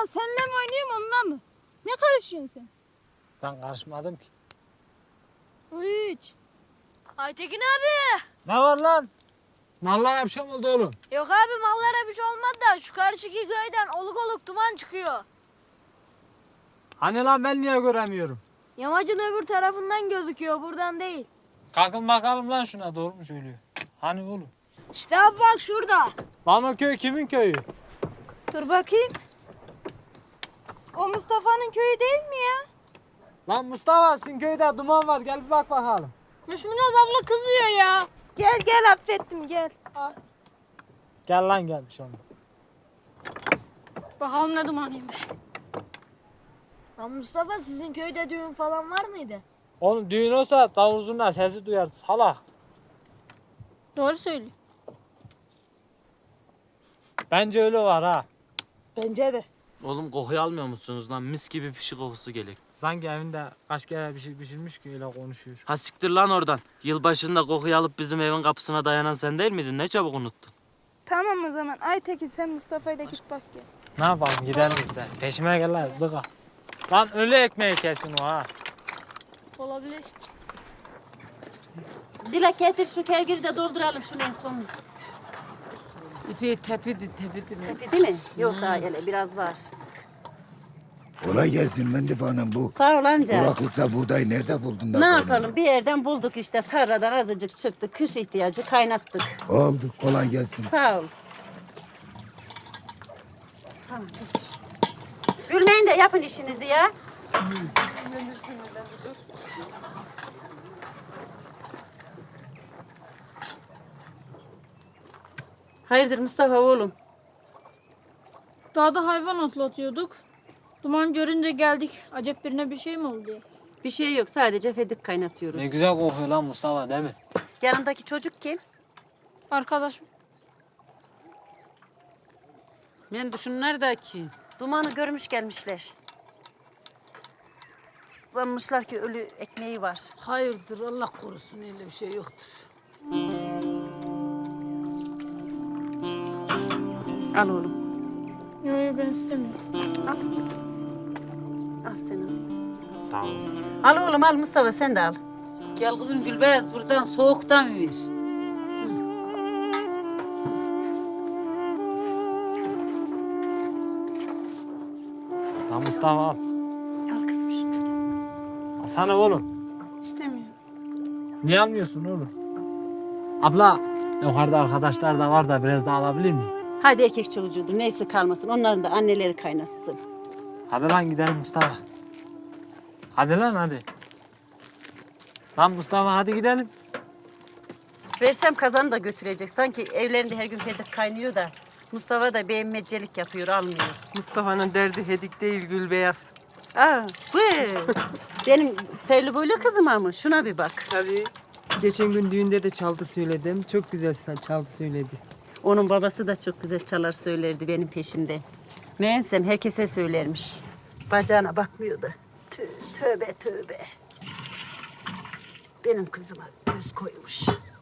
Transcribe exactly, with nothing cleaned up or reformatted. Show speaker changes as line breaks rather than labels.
lan seninle mi oynayayım onunla mı? Ne karışıyorsun sen?
Ben karışmadım ki.
Üç.
Aytekin abi.
Ne var lan? Mallara bir şey mi oldu oğlum?
Yok abi mallara bir şey olmadı da şu karşıki köyden oluk oluk duman çıkıyor.
Hani lan ben niye göremiyorum?
Yamacın öbür tarafından gözüküyor buradan değil.
Kalkın bakalım lan şuna, doğru mu söylüyor? Hani oğlum?
İşte abi bak şurada.
Lan o köy kimin köyü?
Dur bakayım. O Mustafa'nın köyü değil mi ya?
Lan Mustafa, sizin köyde duman var, gel bir bak bakalım.
Düşmünaz abla kızıyor ya.
Gel gel affettim gel.
Gel lan, gel bir şey olmaz.
Bakalım ne dumanıymış. Lan Mustafa sizin köyde düğün falan var mıydı?
Oğlum düğün olsa davul zurna sesi duyardı salak.
Doğru söylüyor.
Bence öyle var ha.
Bence de.
Oğlum kokuyu almıyor musunuz lan? Mis gibi pişi kokusu geliyor.
Sanki evinde kaç kere bir şey pişirmiş ki öyle konuşuyor.
Ha siktir lan oradan. Yılbaşında kokuyu alıp bizim evin kapısına dayanan sen değil miydin? Ne çabuk unuttun.
Tamam o zaman Aytekin sen Mustafa ile git bak gel.
Ne yapalım, gidelim biz de. Peşime gel lan, dıka. Lan ölü ekmeği kesin o ha.
Olabilir.
Dilek getir şu kevgiri de dolduralım şunu en sonunu.
İpi tepidi tepidi mi?
Tepi değil mi? Yok daha hele biraz var.
Kolay gelsin Mendip Hanım bu.
Sağ ol amca.
Kuraklıkta buğday nerede buldun da
Ne
kaynadın?
yapalım bir yerden bulduk işte tarladan azıcık çıktı. Kış ihtiyacı kaynattık.
Oldu, kolay gelsin.
Sağ ol. Tamam getir. Gülmeyin de yapın işinizi ya. Hayırdır Mustafa oğlum?
Dağda hayvan otlatıyorduk. Duman görünce geldik. Acep birine bir şey mi oldu diye.
Bir şey yok sadece fedik kaynatıyoruz.
Ne güzel kokuyor lan Mustafa, değil mi?
Yanındaki çocuk kim?
Arkadaşım.
Ben düşünler de ki.
Dumanı görmüş gelmişler. Sanmışlar ki ölü ekmeği var.
Hayırdır Allah korusun öyle bir şey yoktur.
Al oğlum.
Yok yok ben istemiyorum.
Al sen al.
Sağ ol.
Al oğlum al Mustafa sen de al.
Gel kızım Gülbeyaz buradan soğuktan ver.
Lan Mustafa al.
Al kızım şunu.
Alsana oğlum.
İstemiyorum.
Niye almıyorsun oğlum? Abla, yukarıda arkadaşlar da var da biraz daha alabilir miyim?
Hadi erkek çocuğudur neyse kalmasın. Onların da anneleri kaynasın.
Hadi lan gidelim Mustafa. Hadi lan hadi. Lan Mustafa hadi gidelim.
Versem kazanı da götürecek. Sanki evlerinde her gün fedik kaynıyor da. Mustafa da beğenmecelik yapıyor almıyor.
Mustafa'nın derdi hedik değil Gülbeyaz.
Aa, bu benim sevli boylu kızım ama şuna bir bak.
Tabii. Geçen gün düğünde de çaldı söyledim. Çok güzel çaldı söyledi.
Onun babası da çok güzel çalar söylerdi benim peşimde. Meğensem herkese söylermiş. Bacağına bakmıyordu. Tö- Tövbe tövbe. Benim kızıma göz koymuş.